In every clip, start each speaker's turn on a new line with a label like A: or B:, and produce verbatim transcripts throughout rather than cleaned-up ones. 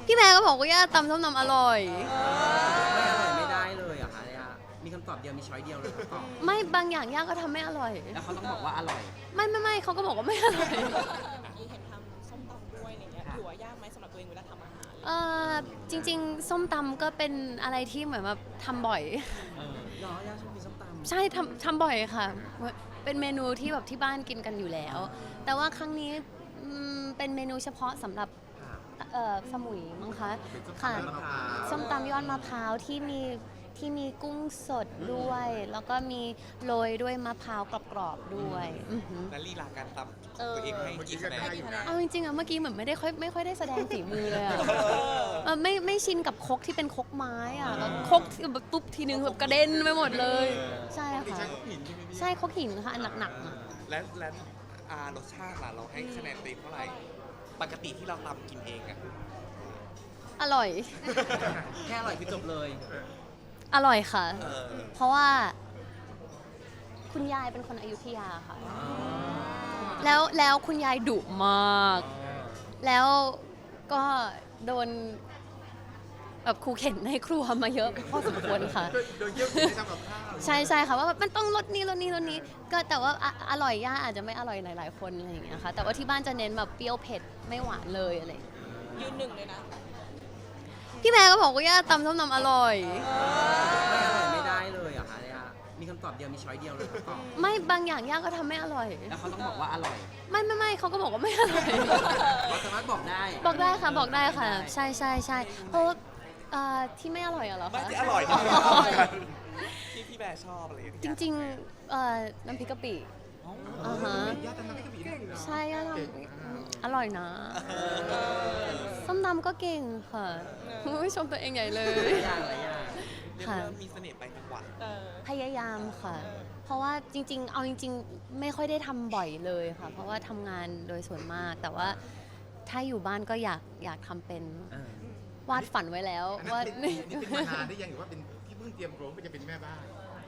A: พี่แม่ก็บอกว่าย่าตำส้มตำอร่อย
B: ไม่อร่อยไม่ได้เลยเหรอคะย่ามีคำตอบเดียวมีช้อยเดียวเลยคำตอบ
A: ไม่บางอย่างย่าก็ทำไม่อร่อย
B: แล้วเขาต้องบอกว่าอร่อย
A: ไม่ไม่ไม่เขาก็บอกว่าไม่อร่อย
C: เมื่อกี้เห็นทำส้มตำด้วยอะไรเงี้ยถือว่ายากไหมสำหรับตัวเองเวลาทำอาหาร
A: เออจริงๆส้มตำก็เป็นอะไรที่เหมือนแบบทำบ่อย
B: เออเนาะย่าชอบกินส้มตำ
A: ใช่ทำทำบ่อยค่ะเป็นเมนูที่แบบที่บ้านกินกันอยู่แล้วแต่ว่าครั้งนี้เป็นเมนูเฉพาะสำหรับเอ่อสมุยมั้งคะค่ะส้มตำยอดมะพร้าวที่มีที่มีกุ้งสดด้วยแล้วก็มีโรยด้วยมะพร้าวกรอบๆด้วย
D: และลีลาการตำตัวเองให้กี่คะแนน
A: เอาจริงๆอะเมื่อกี้เหมือนไม่ได้ค่อยไม่ค่อยได้แสดงฝีมือเลยอะไม่ไม่ชินกับครกที่เป็นครกไม้อะแล้วครกแบบปุ๊บทีนึงแบบกระเด็นไปหมดเลยใช่ค่ะใช่ครกหินค่ะอันหนักๆ
D: และและรสชาติล่ะเราให้คะแนนเต็มเท่าไหร่ปกติที่เราตำกินเองอะ
A: อร่อย
B: แค่อร่อยคือจบเลย
A: อร่อยค่ะเพราะว่าคุณยายเป็นคนอยุธยาค่ะแล้วแล้วคุณยายดุมากแล้วก็โดนแบบครูเข็นในครัวมาเยอะพอสมควรค่ะ
E: โดนเยอะที่ทำกับข้าว
A: ใช่ใช่ค่ะว่ามันต้องรสนี้รสนี้รสนี้ก็แต่ว่าอร่อยย่าอาจจะไม่อร่อยหลายๆคนอะไรอย่างเงี้ยค่ะแต่ว่าที่บ้านจะเน้นแบบเปรี้ยวเผ็ดไม่หวานเลยอะไร
C: ยืนหนึ่งเลยนะ
A: พี่แม่ก็บอกว่าย่าตำส้มตำอร่อย
B: ไม่อร่อยไม่ได้เลยเหรอคะย่ามีคำตอบเดียวมีช้อยเดียวเลยคำตอบ
A: ไม่บางอย่างย่าก็ทำไม่อร่อย
B: แล้วเขาต้องบอกว่าอร่อย
A: ไม่ไม่ไม่เขาก็บอกว่าไม่อร่อย
B: เราสามารถบอกได้
A: บอกได้ค่ะบอกได้ค่ะใช่ใช่ใช่เพราะที่ไม่อร่อยเหรอคะ
D: ไม่ที่อร่อยที่พี่แบร์ชอบอะไรอย่างเงี้ย
A: จริงๆน้ำพริกกะปิอ่าฮะใช่ย่าทำอร่อยนะส้มตำก็เก่งค่ะไม่ชมตัวเองใหญ่เลย
D: ค่ะมีเสน่ห์ไปจังหวัด
A: พยายามค่ะเพราะว่าจริงๆเอาจริงๆไม่ค่อยได้ทำบ่อยเลยค่ะเพราะว่าทำงานโดยส่วนมากแต่ว่าถ้าอยู่บ้านก็อยากอยากทำเป็นวาดฝันไว้แล้วว่า
E: นี่เป็นมานานได้ยังหรือว่าเป็นที่เพิ่งเตรียมโรงเพื่อจะเป็นแม่บ้าน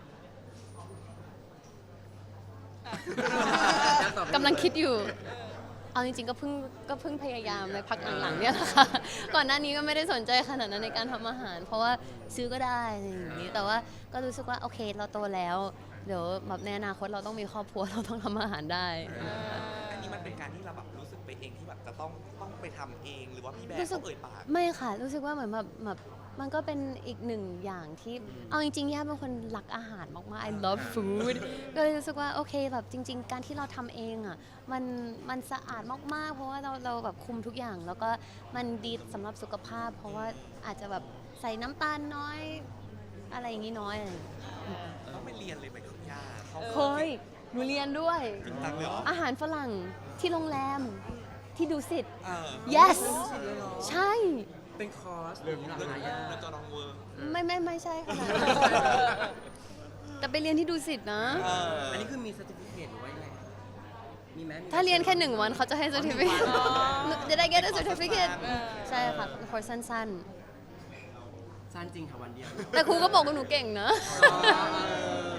A: กำลังคิดอยู่เอาจริงๆก็เพิ่งก็เพิ่งพยายามในพักหลังๆเนี่ยแหละค่ะก่อนหน้านี้ก็ไม่ได้สนใจขนาดนั้นในการทำอาหารเพราะว่าซื้อก็ได้อย่างนี้แต่ว่าก็รู้สึกว่าโอเคเราโตแล้วเดี๋ยวแบบในอนาคตเราต้องมีครอบครัวเราต้องทำอาหารได้
D: อันนี้มันเป็นการที่เราแบบรู้สึกไปเองที่แบบจะต้องต้องไปทำเองหรือว่าพี่แบร์เขาเอ่ยปาก
A: ไม่ค่ะรู้สึกว่าเหมือนแบบแบบมันก็เป็นอีกหนึ่งอย่างที่เอาจริงๆย่าเป็นคนรักอาหารมากๆ I love food ก็เลยรู้สึกว่าโอเคแบบจริงๆการที่เราทำเองอ่ะมันมันสะอาดมากๆเพราะว่าเราเราแบบคุมทุกอย่างแล้วก็มันดีสำหรับสุขภาพเพราะว่าอาจจะแบบใส่น้ำตาลน้อยอะไรอย่างนี้น้อยอะไร
D: ต้องไปเรียนเลยไหมคุณย่า
A: เคยหนูเรียนด้วยอาหารฝรั่งที่โรงแรมที่ดูสิทธิ์ yes ใช่
B: เป็นคอร์สหรืออะไรย่า
D: แล้วจะลองเวิร์ก
A: ไม่ไม่ไม่ใช่ค่ะแต่ไปเรียนที่ดูสิทธิ์นะ
B: อันนี้คือมีเซอร์ติฟิเคตหรือว่ายังไงมีไหม
A: ถ้าเรียนแค่หนึ่งวันเขาจะให้เซอร์ติฟิเคตจะได้ get a certificate ใช่ค่ะคอร์สสั้น
B: สั้นจริงค่ะวันเดียว
A: แต่ครูก็บอกว่าหนูเก่งนะ